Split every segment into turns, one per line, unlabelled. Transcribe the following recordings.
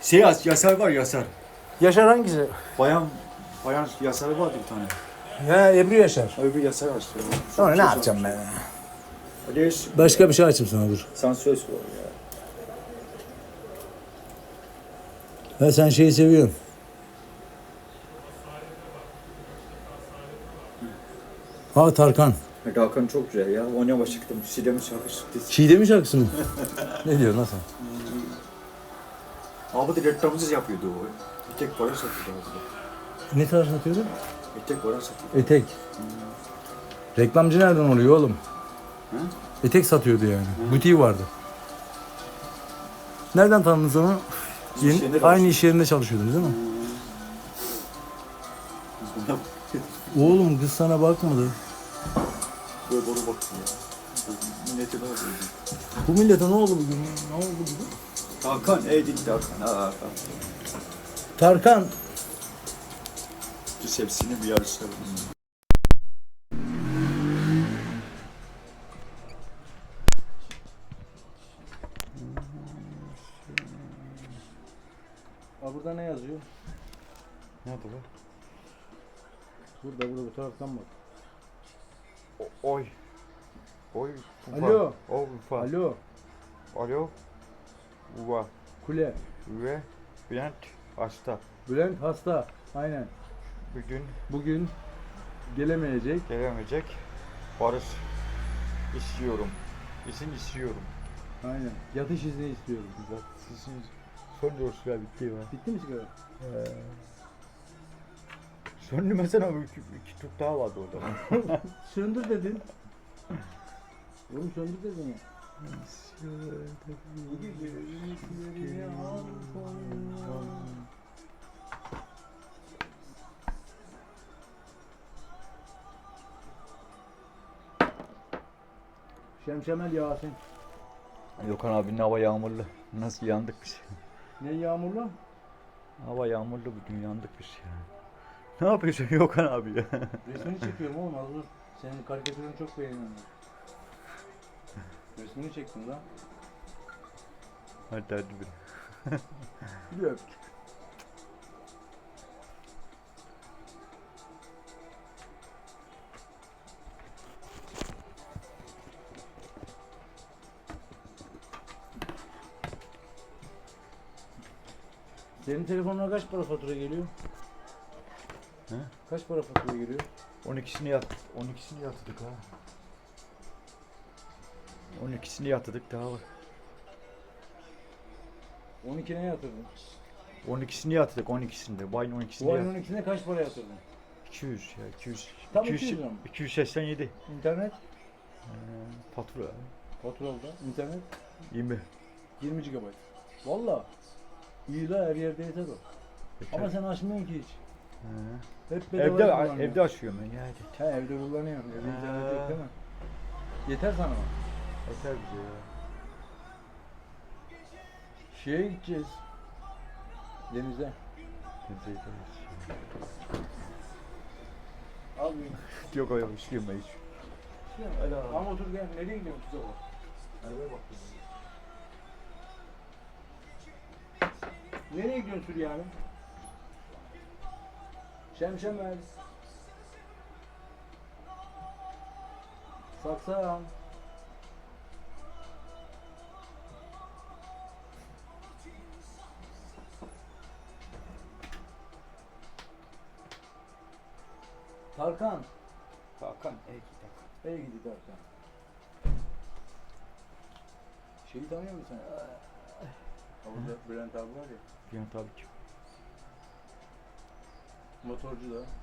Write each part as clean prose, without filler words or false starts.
Yasar var Yasar.
Yaşar hangisi?
Bayan Yasarı vardı bir tane.
Ya Ebru Yaşar.
Öbür Yasar açtı.
Sonra ne yapacağım ben?
Aliş.
Başka bir şey açayım sana dur.
Sansöz var ya.
Ha sen şeyi seviyorsun. Ha Tarkan.
Hakan çok güzel ya. Oynama çıktım. Sidem'in şarkı çıktı.
Çiğdem'i şarkısı mı? Ne diyor nasıl?
Abi de reklamsız yapıyordu o. Bir tek para satıyordu abi.
Ne tarz satıyordu?
Bir tek para satıyordu.
Etek. Reklamcı nereden oluyor oğlum?
Hı?
Etek satıyordu yani. Butiği vardı. Nereden tanıdınız onu? Aynı iş yerinde çalışıyordunuz değil mi? Oğlum kız sana bakmadı.
Böyle boru baktım ya. Millete ne oldu?
Bu millete ne oldu bugün? Ne oldu bugün?
Hakan, gitti Hakan. Hakan.
Tarkan.
Düz hepsini bir yarışalım.
Burada ne yazıyor?
Nerede bu?
Burada bu taraftan bak.
Oy.
Alo.
Ufa.
Alo.
Alo. Uva.
Kule.
Ve Bülent hasta.
Bülent hasta. Aynen.
Bugün
Gelemeyecek.
gelemeyecek. Barış istiyorum. İzin istiyorum.
Aynen. Yatış izni istiyorum.
Sizin son dorsuyla bitti ya.
Bitti mi sigara?
Söndü mesela iki tut daha vardı orada.
Söndür dedin. Oğlum söndür dedin ya. Şemşemel Yasin.
Gökhan abinin hava yağmurlu. Nasıl yandık biz?
Ne yağmurlu?
Hava yağmurlu bugün yandık biz ya. Ne yapıyorsun Gökhan abi ya?
Resmini çekiyorum oğlum az dur. Senin karikatürünü çok beğeniyorum. Resmini çektim lan.
Hadi bir.
Bir öp. Senin telefonuna kaç para fatura geliyor?
He?
Kaç para fatura geliyor?
12'sini yatırdık ha. 12'sini yatırdık daha var.
12 ne yatırdın?
12'sini yatırdık 12'sinde. Bayın 12'sini
Bu ayın
yatırdık.
12'sine kaç para yatırdın?
200 ya 200.
Tam 200 lira mı?
287.
İnternet?
Fatura.
Faturalıda. İnternet?
20.
20 GB. Valla. İyi la her yerde yeter o. Ama sen açmıyorsun ki hiç. Hep bedava kullanıyorsun.
Evde açıyorum ben ya.
He evde kullanıyorum. Evde internet yok değil mi? Yeter sana o.
Yeter bize ya.
Şeye gideceğiz. Denize. Al bir.
Yok öyle üşüyorum ben hiç.
Ama otur gel. Nereye gidiyorsun kıza bak? Arabaya bak. Nereye gidiyorsun Süryani? Şemşemel. Saksan. Tarkan.
Hakan,
Ey gidi Tarkan. Şeyi tanıyor musun sen? Orada Bülent abi var ya.
Yani tabii ki.
Motorcu da.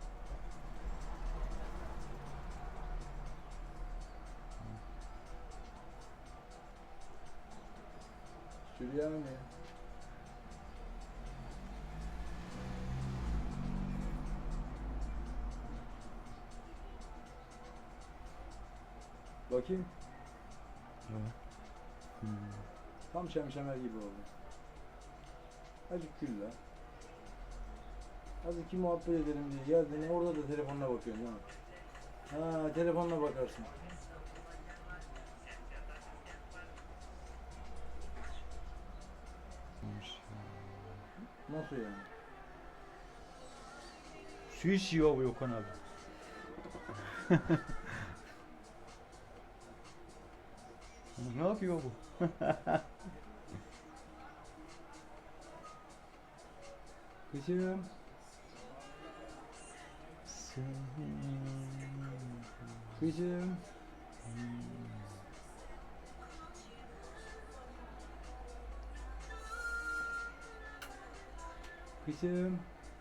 Süryani mi? Bakayım. Tam şemşemer gibi oldu. Azıcık gül la. Azıcık muhabbet edelim diye geldin orada da telefonuna bakıyorsun değil mi? Ha telefonuna bakarsın. Nasıl yani?
Su içiyor bu Yokan abi. Ne yapıyor bu?
Kızım. Kızım. Kızım.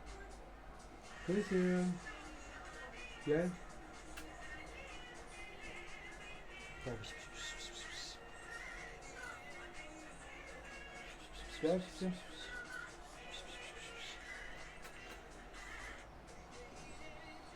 Kızım. Gel. Gel. Gel kızım.